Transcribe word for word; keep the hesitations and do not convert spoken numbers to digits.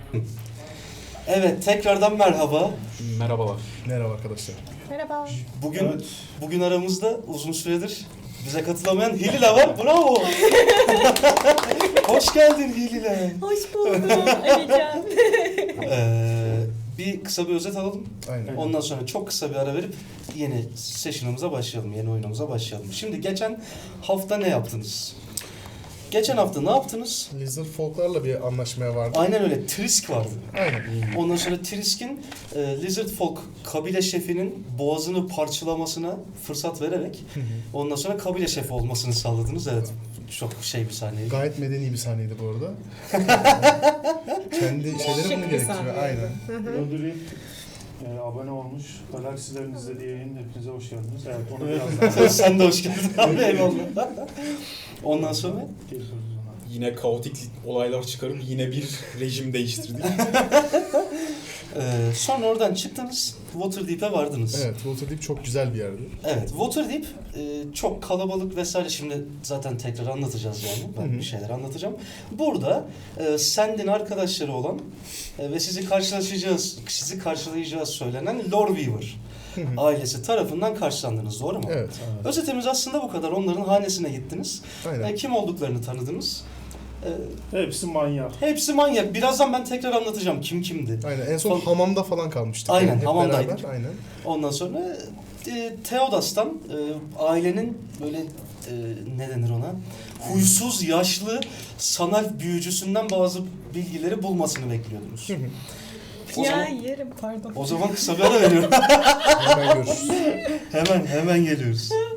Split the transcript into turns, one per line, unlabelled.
Evet, tekrardan merhaba.
Merhabalar.
Merhaba arkadaşlar.
Merhaba.
Bugün
Evet.
bugün aramızda uzun süredir bize katılamayan Hilal var. Bravo. Hoş geldin Hilal.
Hoş buldum Alican.
Ee, bir kısa bir özet alalım.
Aynen.
Ondan sonra çok kısa bir ara verip yeni session'ımıza başlayalım, yeni oyunumuza başlayalım. Şimdi geçen hafta ne yaptınız? Geçen hafta ne yaptınız?
Lizard Folk'larla bir anlaşmaya vardı.
Aynen öyle, Trisk vardı.
Aynen.
Ondan sonra Trisk'in e, Lizard Folk kabile şefinin boğazını parçalamasına fırsat vererek ondan sonra kabile şefi olmasını sağladınız. Evet, çok şey bir sahneydi.
Gayet medeni bir sahneydi bu arada. Kendi şeyleri
Şık
bunu
bir
gerektiriyor.
sahne.
Aynen.
Öldüreyim. Ee, abone olmuş. Galaksilerin izlediği yayın. Hepinize hoş geldiniz. Evet, onu biraz daha
Sen de hoş geldin abi, eyvallah. Ondan sonra
geçiyoruz ona.
Yine kaotik olaylar çıkarıp yine bir rejim değiştirdik.
e, sonra oradan çıktınız, Waterdeep'e vardınız.
Evet, Waterdeep çok güzel bir yerdi.
Evet, Waterdeep e, çok kalabalık vesaire. Şimdi zaten tekrar anlatacağız yani. Ben
Hı hı.
bir şeyler anlatacağım. Burada e, Sand'in arkadaşları olan e, ve sizi karşılaşacağız, sizi karşılayacağız söylenen Loreweaver
Hı hı.
ailesi tarafından karşılandınız. Doğru mu?
Evet,
Özetimiz aslında bu kadar. Onların hanesine gittiniz.
aynen.
E, kim olduklarını tanıdınız. E,
Hepsi manyak.
hepsi manyak. Birazdan ben tekrar anlatacağım kim kimdi.
Aynen. En son
Son-
hamamda falan kalmıştık.
Aynen,
yani hep
hamamdaydık.
beraber, aynen.
Ondan sonra e, Theodas'tan e, ailenin böyle e, ne denir ona? Huysuz, yaşlı, sanal büyücüsünden bazı bilgileri bulmasını bekliyordunuz.
Hı hı.
O
Ya
zaman,
yerim pardon.
o zaman kısa bir ara veriyorum.
Hemen görüşürüz.
hemen hemen geliyoruz.